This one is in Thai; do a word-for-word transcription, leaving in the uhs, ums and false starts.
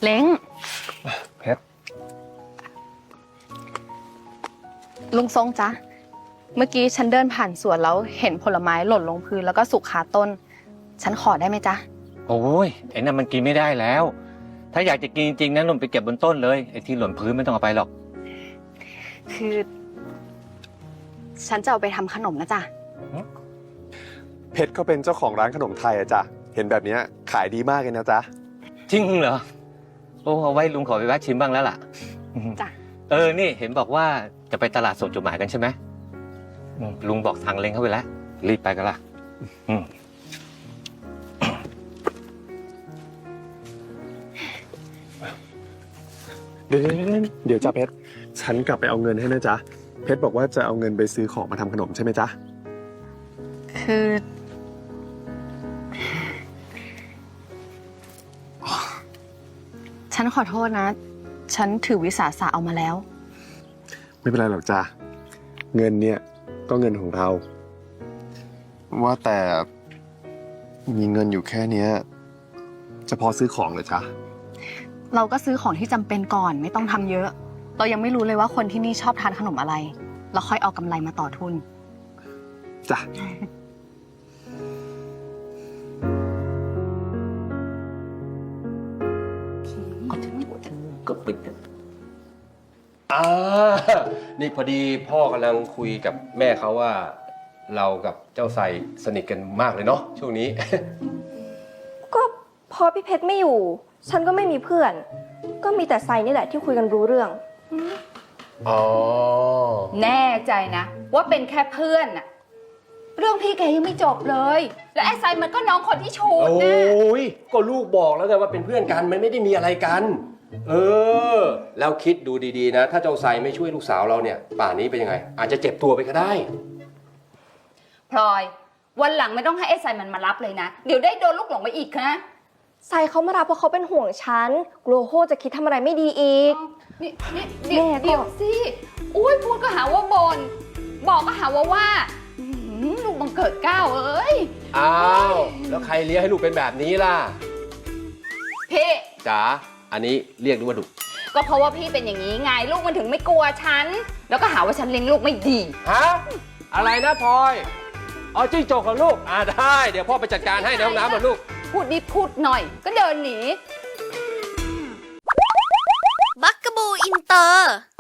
เล้งเพชรลุงทรงจ๊ะเมื่อกี้ฉันเดินผ่านสวนแล้วเห็นผลไม้หล่นลงพื้นแล้วก็สุกคาต้นฉันขอได้ไหมจ๊ะโอ้ยไอ้นั่นมันกินไม่ได้แล้ว ถ้าอยากจะกินจริงๆนะนุ่นไปเก็บบนต้นเลยไอ้ที่หล่นพื้นไม่ต้องเอาไปหรอกคือ ฉันจะเอาไปทำขนมนะจ๊ะเพชรเขาเป็นเจ้าของร้านขนมไทยอะจ๊ะเห็นแบบนี้ขายดีมากเลยนะจ๊ะจริงเหรอโอ้เอาไว้ลุงขอไปแวะชิมบ้างแล้วล่ะจ้ะเออนี่เห็นบอกว่าจะไปตลาดส่งจดหมายกันใช่ไหมลุงบอกทางเล้งเข้าไปแล้วรีบไปกันละเดี๋ยวเดี๋ยวจ้ะเพชรฉันกลับไปเอาเงินให้นะจ๊ะเพชรบอกว่าจะเอาเงินไปซื้อของมาทำขนมใช่ไหมจ๊ะคือฉันขอโทษนะฉันถือวิสาสะเอามาแล้วไม่เป็นไรหรอกจ้ะเงินเนี่ยก็เงินของเราว่าแต่มีเงินอยู่แค่นี้จะพอซื้อของเหรอจ๊ะเราก็ซื้อของที่จำเป็นก่อนไม่ต้องทำเยอะเรายังไม่รู้เลยว่าคนที่นี่ชอบทานขนมอะไรเราค่อยเอากำไรมาต่อทุนจ้ะก็ปิดอ่านี่พอดีพ่อกำลังคุยกับแม่เขาว่าเรากับเจ้าไซสนิทกันมากเลยเนาะช่วงนี้ก็พอพี่เพชรไม่อยู่ฉันก็ไม่มีเพื่อนก็มีแต่ไซนี่แหละที่คุยกันรู้เรื่องอ๋อแน่ใจนะว่าเป็นแค่เพื่อนน่ะเรื่องพี่แกยังไม่จบเลยแล้วไอ้ไซมันก็น้องคนที่ชูดนะโอ้ยก็ลูกบอกแล้วไงว่าเป็นเพื่อนกันมันไม่ได้มีอะไรกันเออแล้วคิดดูดีๆนะถ้าเจ้าไซไม่ช่วยลูกสาวเราเนี่ยป่านนี้เป็นยังไงอาจจะเจ็บตัวไปก็ได้พลอยวันหลังไม่ต้องให้ไอ้ไซมันมารับเลยนะเดี๋ยวได้โดนลูกหลงไปอีกนะไซเขามารับเพราะเขาเป็นห่วงฉันกลัวโฮจะคิดทำอะไรไม่ดีอีกนี่นี่เดี๋ยวเดี๋ยวสิอุ้ยพูดก็หาว่าบนบอกก็หาว่าว่าลูกบังเกิดเก้าเอ้ยอ้าวแล้วใครเลี้ยงให้ลูกเป็นแบบนี้ล่ะพี่จ๋าอันนี้เรียกดูว่าดุก็เพราะว่าพี่เป็นอย่างนี้ไงลูกมันถึงไม่กลัวฉันแล้วก็หาว่าฉันเลี้ยงลูกไม่ดีฮะอะไรนะพลอยเอาจิ้งจกของลูกอ่าได้เดี๋ยวพ่อไปจัดการให้ในห้องน้ำนะลูกพูดนิดพูดหน่อยก็เดินหนีบักกะบูอินเตอร์